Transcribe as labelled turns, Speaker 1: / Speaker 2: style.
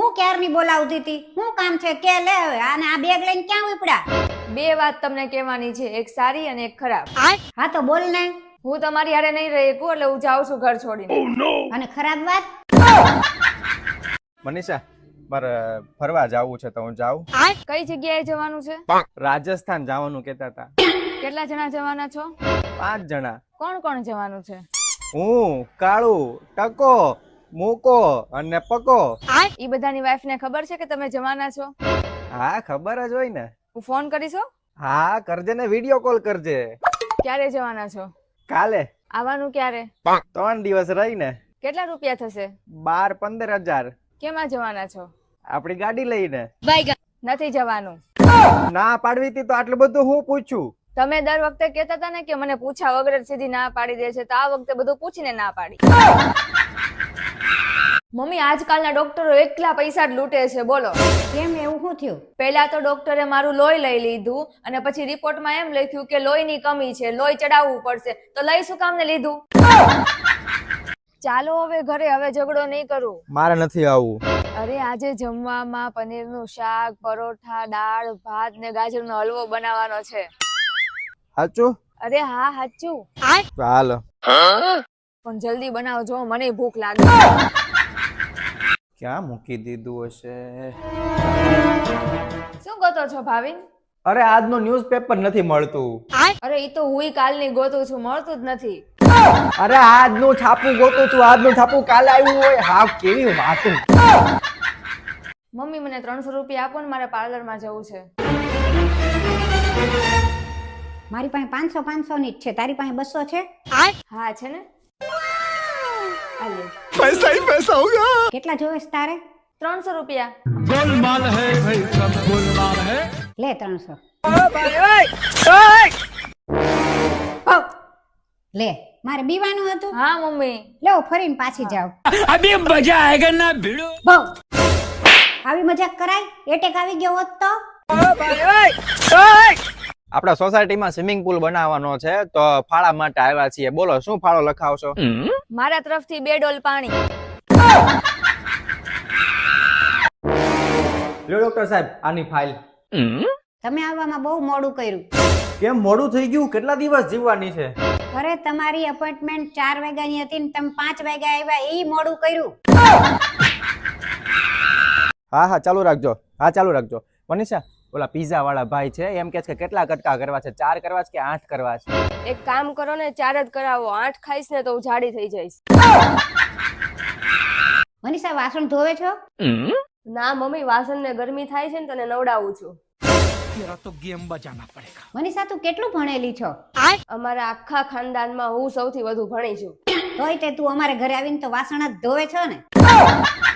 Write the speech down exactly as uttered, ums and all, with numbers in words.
Speaker 1: હું ક્યારની બોલાવતી હતી? હું કામ છે કે લે હવે. આને આ બેગ લઈને ક્યાં ઉપડ્યા?
Speaker 2: બે વાત તમને કહેવાની છે, એક સારી અને એક ખરાબ.
Speaker 1: હા તો બોલ ને.
Speaker 2: હું તમારી હારે નહીં રહી શકું એટલે હું જાઉં છું ઘર છોડીને.
Speaker 1: અને ખરાબ વાત?
Speaker 3: મનીષા, મારે ફરવા જવું છે તો હું જાઉં.
Speaker 2: કઈ જગ્યાએ જવાનું છે?
Speaker 3: રાજસ્થાન જવાનું કહેતા હતા.
Speaker 2: કેટલા જણા જવાના છો?
Speaker 3: પાંચ જણા.
Speaker 2: કોણ કોણ જવાનું છે?
Speaker 3: હું, કાળુ, ટકો, મૂકો અને પકો.
Speaker 2: ઈ બધાની વાઈફ ને ખબર છે કે તમે જવાના છો?
Speaker 3: હા, ખબર જ હોય ને.
Speaker 2: હું ફોન કરીશો?
Speaker 3: હા, કરજે ને, વિડીયો કોલ કરજે.
Speaker 2: ક્યારે જવાના છો?
Speaker 3: કાલે.
Speaker 2: આવવાનું ક્યારે?
Speaker 3: ત્રણ દિવસ રહીને.
Speaker 2: કેટલા રૂપિયા થશે?
Speaker 3: બાર પંદર હજાર.
Speaker 2: કેમાં જવાના છો?
Speaker 3: આપણી ગાડી લઈને.
Speaker 2: નથી જવાનું.
Speaker 3: ના પાડવી હતી તો આટલું બધું હું પૂછું.
Speaker 2: તમે દર વખતે કહેતા હતા ને કે મને પૂછા વગર જ સીધી ના પાડી દે છે, તો આ વખતે બધું પૂછીને ના પાડી. મમ્મી, આજકાલના ડોક્ટરો એકલા પૈસા જ લૂંટે છે, બોલો.
Speaker 1: કેમ, એવું શું થયું?
Speaker 2: પહેલા તો ડોક્ટરે મારું લોહી લઈ લીધું અને પછી રિપોર્ટમાં એમ લખ્યું કે લોહીની કમી છે, લોહી ચડાવવું પડશે. તો લઈ શું કામને લીધું? ચાલો હવે ઘરે, હવે ઝઘડો નહીં કરું.
Speaker 3: મારે નથી આવવું.
Speaker 2: અરે આજે જમવામાં પનીરનું શાક, પરોઠા, દાળ, ભાત ને ગાજરનો હલવો બનાવવાનો છે.
Speaker 3: સાચું?
Speaker 2: અરે હા, સાચું.
Speaker 3: હાલો.
Speaker 2: પણ જલ્દી બનાવજો, મને ભૂખ લાગે.
Speaker 3: ક્યાં મૂકી દીધું હશે?
Speaker 2: શું ગોતો છો ભાવિન?
Speaker 3: અરે આજનો ન્યૂઝપેપર નથી મળતું.
Speaker 2: અરે ઈ તો હુંય કાલની ગોતું છું, મળતું જ નથી.
Speaker 3: અરે આજનું છાપું ગોતું છું, આજનું છાપું કાલે આવ્યું હોય. હા, કેવી વાતું.
Speaker 2: મમ્મી, મને ત્રણસો રૂપિયા આપો ને, મારે પાર્લરમાં જવું છે.
Speaker 1: મારી પાસે પાંચસો પાંચસો ની જ છે. તારી પાસે બસો છે?
Speaker 2: હા છે ને.
Speaker 3: પૈસા ही पैसा होगा.
Speaker 1: કેટલા જોવે છે તારે?
Speaker 2: ત્રણસો રૂપિયા.
Speaker 4: गोलमाल है भाई, सब गोलमाल है.
Speaker 1: લે ત્રણસો. લે, મારે બીવાનું હતું.
Speaker 2: હા મમ્મી.
Speaker 1: લે ફરીને પાછી જાવ.
Speaker 4: अभी मजा आएगा ना भिड़ो.
Speaker 1: બહુ આવી મજાક કરાય? એટેક આવી ગયો હોત તો?
Speaker 3: આપણા સોસાયટીમાં સ્વિમિંગ પુલ બનાવવાનો છે તો ફાળા માટે આવ્યા છીએ. બોલો શું ફાળો લખાવશો?
Speaker 2: મારા તરફથી બે ડોલ પાણી.
Speaker 3: લ્યો ડોક્ટર સાહેબ, આની ફાઇલ.
Speaker 1: તમે આવવામાં બહુ મોડું કર્યું.
Speaker 3: કેમ મોડું થઈ ગયું? કેટલા દિવસ જીવવાની છે?
Speaker 1: અરે તમારી અપોઇન્ટમેન્ટ ચાર વાગ્યાની હતી ને તમે પાંચ વાગ્યા આવ્યા, એ મોડું કર્યું.
Speaker 3: હા હા ચાલુ રાખજો. હા ચાલુ રાખજો. મનીષા, ઓલા પીઝા વાળા ભાઈ છે એમ કે છે કે કેટલા કટકા કરવા છે? ચાર કરવા છે કે આઠ કરવા છે?
Speaker 2: એક કામ કરો ને, ચાર જ કરાવો. આઠ ખાઈશ ને તો હું જાડી થઈ જઈશ.
Speaker 1: મનીષા, વાસણ ધોવે છો?
Speaker 2: ના મમ્મી, વાસણ ને ગરમી થાય છે ને તને નવડાવું છું.
Speaker 4: तेरा तो गेम बजाना पड़ेगा.
Speaker 1: મનીષા, તું કેટલું ભણેલી છો?
Speaker 2: અમારા આખા ખાનદાનમાં હું સૌથી વધુ ભણી છું.
Speaker 1: તોય તે તું અમારે ઘરે આવીને તો વાસણ જ ધોવે છો ને?